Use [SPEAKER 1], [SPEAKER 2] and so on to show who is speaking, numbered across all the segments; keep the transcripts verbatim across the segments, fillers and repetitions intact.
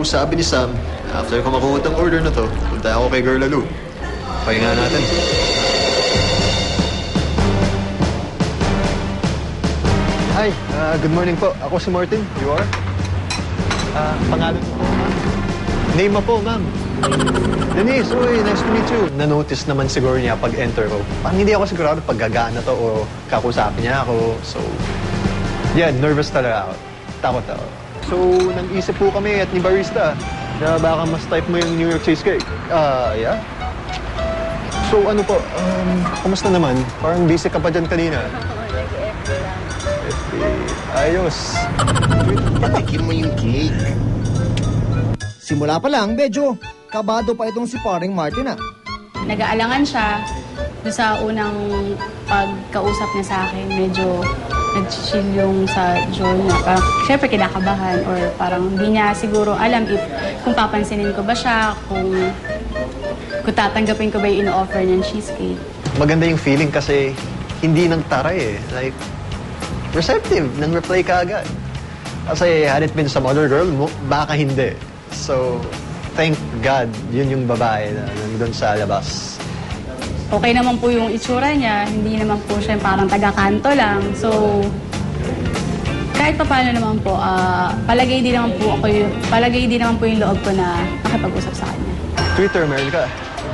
[SPEAKER 1] sabi ni Sam, after ko makuha ang order na to, punta ako kay Girl Lalo. Pahinga natin. Hi, uh, good morning po. Ako si Martin. You are? Uh, pangalan po, ma'am. Name mo po, ma'am. Denise, uy, nice to meet you. Na-notice naman siguro niya pag enter ko. Parang hindi ako sigurado pag gagana to o kakusapin niya ako. So, yeah, nervous talaga ako. Takot ako. So, nag-isip po kami at ni Barista na baka mas type mo yung New York cheesecake. Ah, uh, yeah? So, ano po, um, kumusta naman? Parang busy ka pa dyan kanina.
[SPEAKER 2] Nag-F B lang.
[SPEAKER 1] F B, ayos.
[SPEAKER 3] Patikin mo yung cake.
[SPEAKER 4] Simula pa lang, medyo kabado pa itong si paring Martin ah.
[SPEAKER 2] Nag-aalangan siya doon sa unang pagkausap niya sa akin. Medyo nag-chill yung sa jaw niya. Parang, syempre, kinakabahan or parang hindi niya siguro alam if kung papansinin ko ba siya, kung, kung tatanggapin ko ba yung ino-offer niyang cheesecake.
[SPEAKER 1] Maganda yung feeling kasi hindi nang taray eh. Like, receptive, nang reply ka agad. Kasi had it been some other girl, baka hindi. So, thank God, yun yung babae na nandun sa labas.
[SPEAKER 2] Okay naman po yung itsura niya, hindi naman po siya parang taga-kanto lang. So, kahit pa paano naman po, uh, palagay din naman po ako yung, palagay din naman po yung loob ko na makipag-usap sa kanya.
[SPEAKER 1] Twitter, meron ka?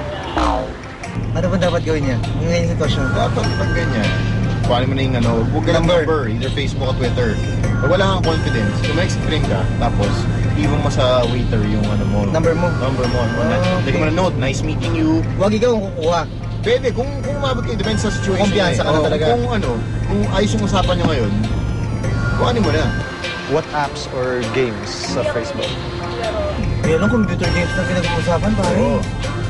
[SPEAKER 4] Ano ba dapat gawin niya? Ngayon sitwasyon.
[SPEAKER 3] Dapat pag ganyan, kuhanin mo na yung ano, huwag ka ng number, either Facebook or Twitter. Pag wala kang confidence, kung ma-explain ka, tapos iwan mo sa waiter yung ano mo.
[SPEAKER 4] Number mo?
[SPEAKER 3] Number mo.
[SPEAKER 4] Oh, okay.
[SPEAKER 3] Lagyan mo na note, nice meeting you.
[SPEAKER 4] Huwag ikaw ang kukuha.
[SPEAKER 3] Pwede, kung kung umabot kayo, depende sa situation.
[SPEAKER 4] Kumpiyansa ka na talaga.
[SPEAKER 3] Kung ano, kung ayos yung usapan nyo ngayon, kuhanin mo na.
[SPEAKER 1] What apps or games sa Facebook?
[SPEAKER 4] Meron ng computer games na pinag-uusapan, pare.
[SPEAKER 3] Oo.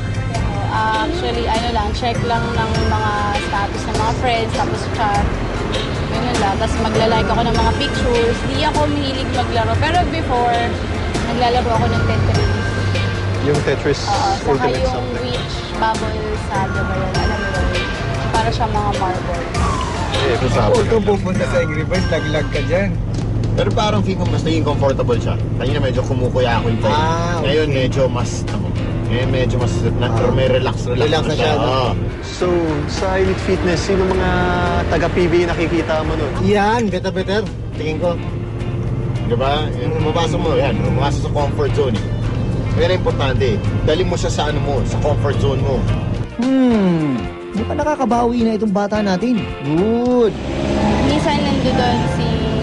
[SPEAKER 2] Uh, actually, ano lang, check lang ng mga status ng mga friends, tapos chat. Ganun lang. Tapos magla-like ako ng mga pictures. Di ako mahilig maglaro. Pero before, naglalaro ako ng Tetris.
[SPEAKER 1] Yung Tetris
[SPEAKER 2] Oo, saka
[SPEAKER 1] Ultimate
[SPEAKER 2] yung
[SPEAKER 1] something.
[SPEAKER 2] Witch Bubble Saga ba yun? Alam mo yun? Para siya mga marble.
[SPEAKER 1] Eh,
[SPEAKER 4] Huwag kang pupunta sa Angry Birds, lag-lag ka dyan.
[SPEAKER 3] Pero parang feel ko mas naging comfortable siya. Kanina medyo kumukuya ako yung tayo.
[SPEAKER 4] Ah, okay.
[SPEAKER 3] Ngayon medyo mas, ano, eh, medyo mas, na,
[SPEAKER 4] Ah.
[SPEAKER 3] may relax, relax,
[SPEAKER 4] Relax na siya, no?
[SPEAKER 3] Oo.
[SPEAKER 1] So, sa Elite Fitness, sino mga taga-P B A nakikita mo nun?
[SPEAKER 4] Yan, better better. Tingin ko.
[SPEAKER 3] Diba? Yung mabasok mo, yan, mabasok sa comfort zone eh. Pero importante, dali mo siya sa ano mo, sa comfort zone mo.
[SPEAKER 4] Hmm, di pa nakakabawi na itong bata natin. Good.
[SPEAKER 2] Minsan nando doon si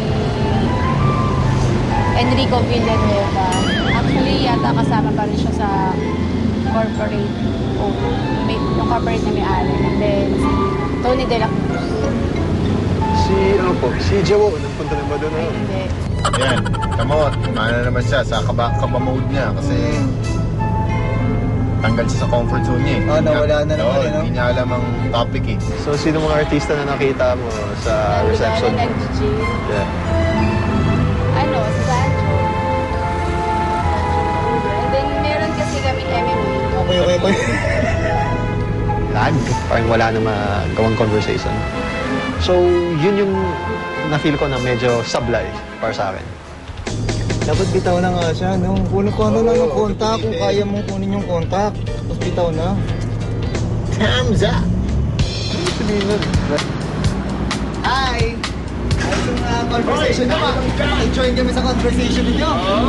[SPEAKER 2] Enrico Villanueva. Actually, yata kasama pa rin siya sa corporate o may, yung corporate na may-ari. And then, si Tony De La Cruz.
[SPEAKER 1] Si, ano po, si Jawo, nagpunta na ba doon?
[SPEAKER 2] Ay,
[SPEAKER 1] Ano?
[SPEAKER 2] hindi.
[SPEAKER 3] Yan, tamo, ano naman siya, sa kaba, kaba mode niya kasi tanggal siya sa comfort zone niya eh.
[SPEAKER 4] Ah, nawala na naman,
[SPEAKER 3] Oo,
[SPEAKER 4] eh, no?
[SPEAKER 3] Hindi niya alam ang topic eh.
[SPEAKER 1] So, sino mga artista na nakita mo sa reception
[SPEAKER 2] Na
[SPEAKER 1] mo?
[SPEAKER 2] nag-gym.
[SPEAKER 1] Yeah.
[SPEAKER 2] Ano, si Sancho. And then, meron kasi kaming M M A.
[SPEAKER 4] Okay, okay, okay.
[SPEAKER 1] Lag. Parang wala na magawang conversation. So, yun yung na-feel ko na medyo sablay para sa akin.
[SPEAKER 4] Dapat bitaw na nga siya, no? Kunin ko ano lang ng kontak, kung kaya mong kunin yung kontak. Tapos bitaw na.
[SPEAKER 3] Thumbs up!
[SPEAKER 1] Ano sabihin nun?
[SPEAKER 4] Hi! Ayos yung uh, conversation nyo, ma-join kami sa conversation ninyo.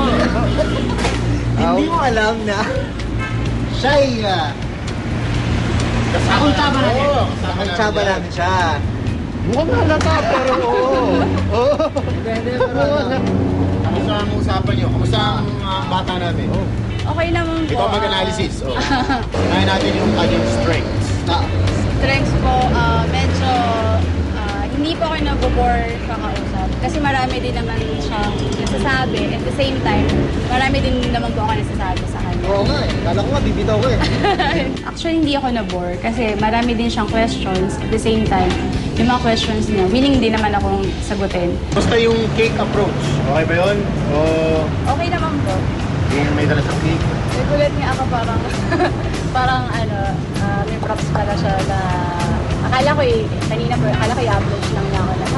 [SPEAKER 4] Hindi mo alam na siya'y uh, kakultaba namin. Kakultaba namin siya.
[SPEAKER 1] Mukhang halata, pero oo. Oo.
[SPEAKER 3] Kamusta ang usapan niyo? Kamusta ang uh, bata namin? Oh.
[SPEAKER 2] Okay naman po.
[SPEAKER 3] Ikaw mag-analysis. Oh. Kaya natin yung kanyang strengths.
[SPEAKER 4] Ah,
[SPEAKER 2] Strengths po, ah, medyo ah, hindi po ako nag-bore sa kausap. Kasi marami din naman siyang nasasabi. At the same time, marami din naman po ako nasasabi sa kanya.
[SPEAKER 4] oo nga eh. Kala ko nga, bibitaw ko eh.
[SPEAKER 2] Actually, hindi ako na-bore kasi marami din siyang questions. At the same time, yung mga questions niya, willing din naman akong sagutin.
[SPEAKER 3] Basta yung cake approach. Okay ba yun? O
[SPEAKER 2] Okay naman po.
[SPEAKER 3] yung may dala sa cake?
[SPEAKER 2] Nagulat nga ako parang, parang ano, ah, may props pala siya na, akala ko eh, kanina po, akala ko i-upload lang niya ako na, hi,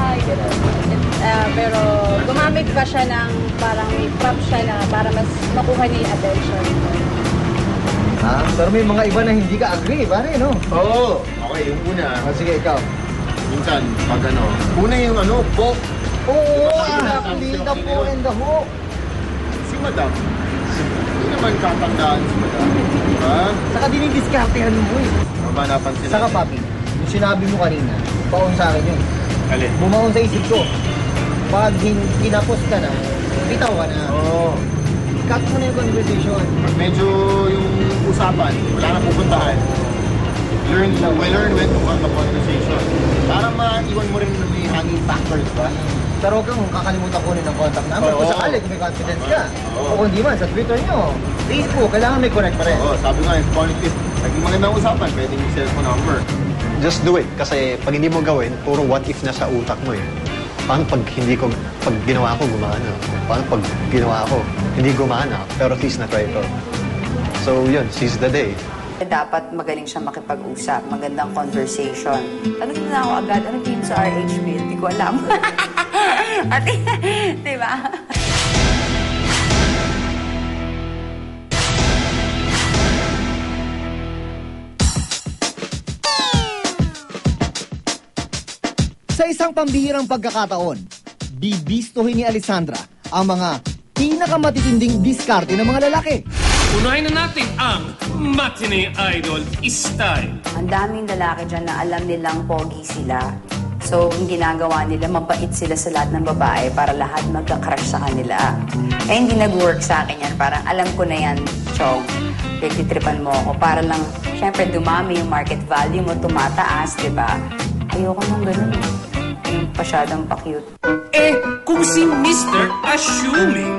[SPEAKER 2] bahay, gano'n. Uh, pero gumamit pa siya ng parang may prop siya na para mas makuha niya yung attention.
[SPEAKER 4] Ha? Pero may mga iba na hindi ka agree, pare, no?
[SPEAKER 3] Oo. Okay, yung una.
[SPEAKER 4] Ah, sige, ikaw.
[SPEAKER 3] Minsan, pag ano, una yung ano, po.
[SPEAKER 4] Oo,
[SPEAKER 3] Ah,
[SPEAKER 4] ah, hindi
[SPEAKER 3] sabi
[SPEAKER 4] ka
[SPEAKER 3] sa'yo,
[SPEAKER 4] po and the hook.
[SPEAKER 3] Si Madam. Hindi naman katandaan si Madam. Diba?
[SPEAKER 4] Saka dinidiskartehan mo eh.
[SPEAKER 3] Maba napansin
[SPEAKER 4] Saka papi, yung sinabi mo kanina, baon sa akin yun.
[SPEAKER 3] Alin?
[SPEAKER 4] Bumaon sa isip ko. Pag hin- kinapos ka na, bitaw ka na.
[SPEAKER 3] Oo.
[SPEAKER 4] Cut mo na yung conversation.
[SPEAKER 3] Pag medyo yung usapan, wala na pupuntahan. Learn, we learn when to cut the conversation. Para maiwan mo rin na may hanging factor, diba?
[SPEAKER 4] Pero huwag kang kakalimutan kunin ng contact number.
[SPEAKER 3] Oo.
[SPEAKER 4] Kung sakali, kung may confidence ka.
[SPEAKER 3] Oo.
[SPEAKER 4] O kung di man, sa Twitter nyo, Facebook, kailangan may connect pa rin.
[SPEAKER 3] Oo, sabi nga, if positive, naging magandang usapan, pwedeng yung cellphone number.
[SPEAKER 1] Just do it. Kasi pag hindi mo gawin, puro what if na sa utak mo eh. Paano pag hindi ko, pag ginawa ko, gumana? Paano pag ginawa ko, hindi gumana, pero at least na-try ko. So yun, seize the day.
[SPEAKER 5] Dapat magaling siya makipag-usap, magandang conversation. Tanungin mo na ako agad, ano tingin sa R H bill? Hindi ko alam. At, di ba?
[SPEAKER 4] Sa isang pambihirang pagkakataon, bibistuhin ni Alessandra ang mga pinakamatitinding diskarte ng mga lalaki.
[SPEAKER 6] Unahin na natin ang Matinee Idol Style.
[SPEAKER 5] Ang daming lalaki dyan na alam nilang pogi sila. So, ang ginagawa nila, mabait sila sa lahat ng babae para lahat magka-crush sa kanila. Eh, hindi nag-work sa akin yan. Parang alam ko na yan, Chong. Pagtitripan mo ako. Para lang, syempre, dumami yung market value mo, tumataas, di ba? Ayoko nang ganun. Yung pasyadong pa-cute.
[SPEAKER 6] Eh, kung si Mister Assuming.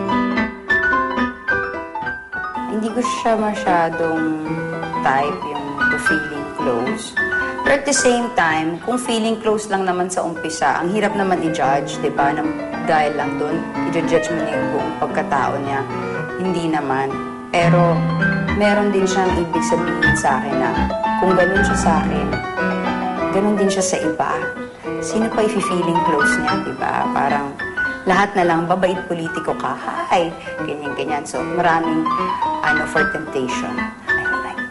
[SPEAKER 5] Hindi ko siya masyadong type yung to feeling close. Pero at the same time, kung feeling close lang naman sa umpisa, ang hirap naman i-judge, di ba? Nang, dahil lang doon, i-judge mo niya yung buong pagkatao niya. Hindi naman. Pero, meron din siyang ibig sabihin sa akin na kung ganun siya sa akin, ganun din siya sa iba. Sino pa i-feeling close niya, di ba? Parang, lahat na lang, babait politiko ka, hi, ganyan-ganyan. So, maraming, ano, for temptation. I don't like.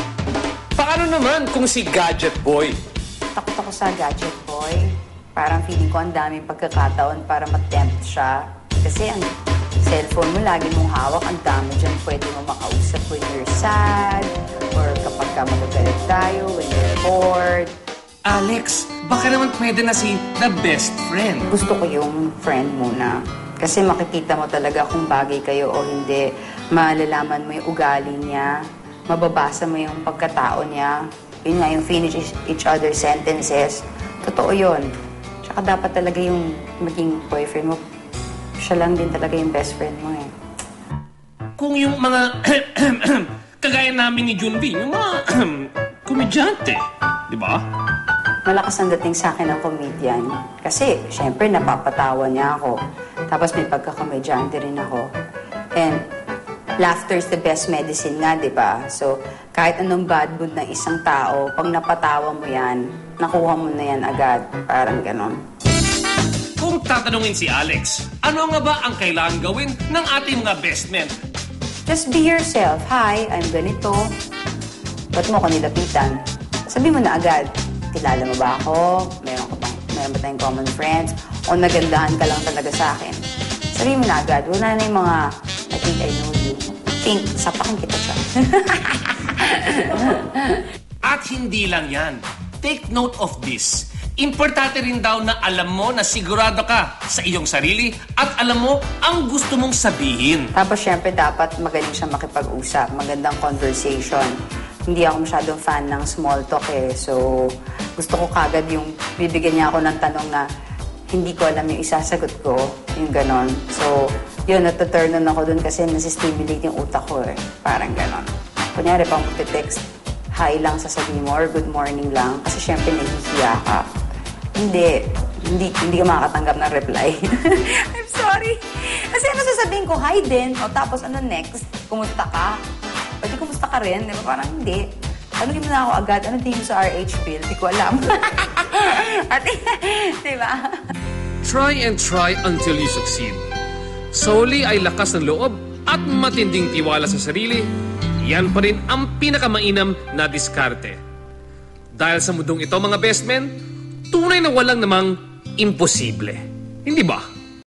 [SPEAKER 6] Paano naman kung si Gadget Boy?
[SPEAKER 5] Takot ako sa gadget boy. Parang feeling ko ang daming pagkakataon para matempt siya. Kasi ang cellphone mo, lagi mong hawak, ang dami dyan pwede mo makausap when you're sad, or kapag ka magagalit tayo, when you're bored.
[SPEAKER 6] Alex, baka naman pwede na si The Best Friend.
[SPEAKER 5] Gusto ko yung friend muna. Kasi makikita mo talaga kung bagay kayo o hindi. Malalaman mo yung ugali niya. Mababasa mo yung pagkatao niya. Yun nga, yung finish each other's sentences. Totoo yun. Tsaka dapat talaga yung maging boyfriend mo, siya lang din talaga yung best friend mo eh.
[SPEAKER 6] Kung yung mga kagaya namin ni Junvi, yung mga komedyante, di ba?
[SPEAKER 5] Malakas ang dating sa akin ng comedian. Kasi, syempre, napapatawa niya ako. Tapos may pagkakamedyante rin ako. And, laughter is the best medicine nga, di ba? So, kahit anong bad mood ng isang tao, pag napatawa mo yan, nakuha mo na yan agad. Parang ganon.
[SPEAKER 6] Kung tatanungin si Alex, ano nga ba ang kailangan gawin ng ating mga best men?
[SPEAKER 5] Just be yourself. Hi, I'm ganito. Ba't mo ko nilapitan? Sabi mo na agad. Kilala mo ba ako? Meron ka bang, meron ba tayong common friends? O nagandahan ka lang talaga sa akin? Sabi mo na agad. Wala na yung mga, I think I know you. Think, sapakin kita siya.
[SPEAKER 6] At hindi lang yan. Take note of this. Importante rin daw na alam mo na sigurado ka sa iyong sarili at alam mo ang gusto mong sabihin.
[SPEAKER 5] Tapos syempre dapat magaling siya makipag-usap. Magandang conversation. Hindi ako masyadong fan ng small talk eh. So, gusto ko kagad yung bibigyan niya ako ng tanong na hindi ko alam yung isasagot ko. Yung ganon. So, yun, natuturn on ako dun kasi nasistimulate yung utak ko eh. Parang ganon. Kunyari, pang text, hi lang sasabihin mo or good morning lang. Kasi syempre nahihiya ka. Hindi. Hindi, hindi ka makakatanggap ng reply. I'm sorry. Kasi ano sasabihin ko, hi din. O tapos ano next? Kumusta ka? Pwede kumusta ka rin? Di ba? Parang hindi. Tanungin mo na ako agad, ano tingin mo sa R H bill? Di ko alam. At, di ba?
[SPEAKER 6] Try and try until you succeed. Sa huli ay lakas ng loob at matinding tiwala sa sarili, yan pa rin ang pinakamainam na diskarte. Dahil sa mundong ito mga best men, tunay na walang namang imposible. Hindi ba?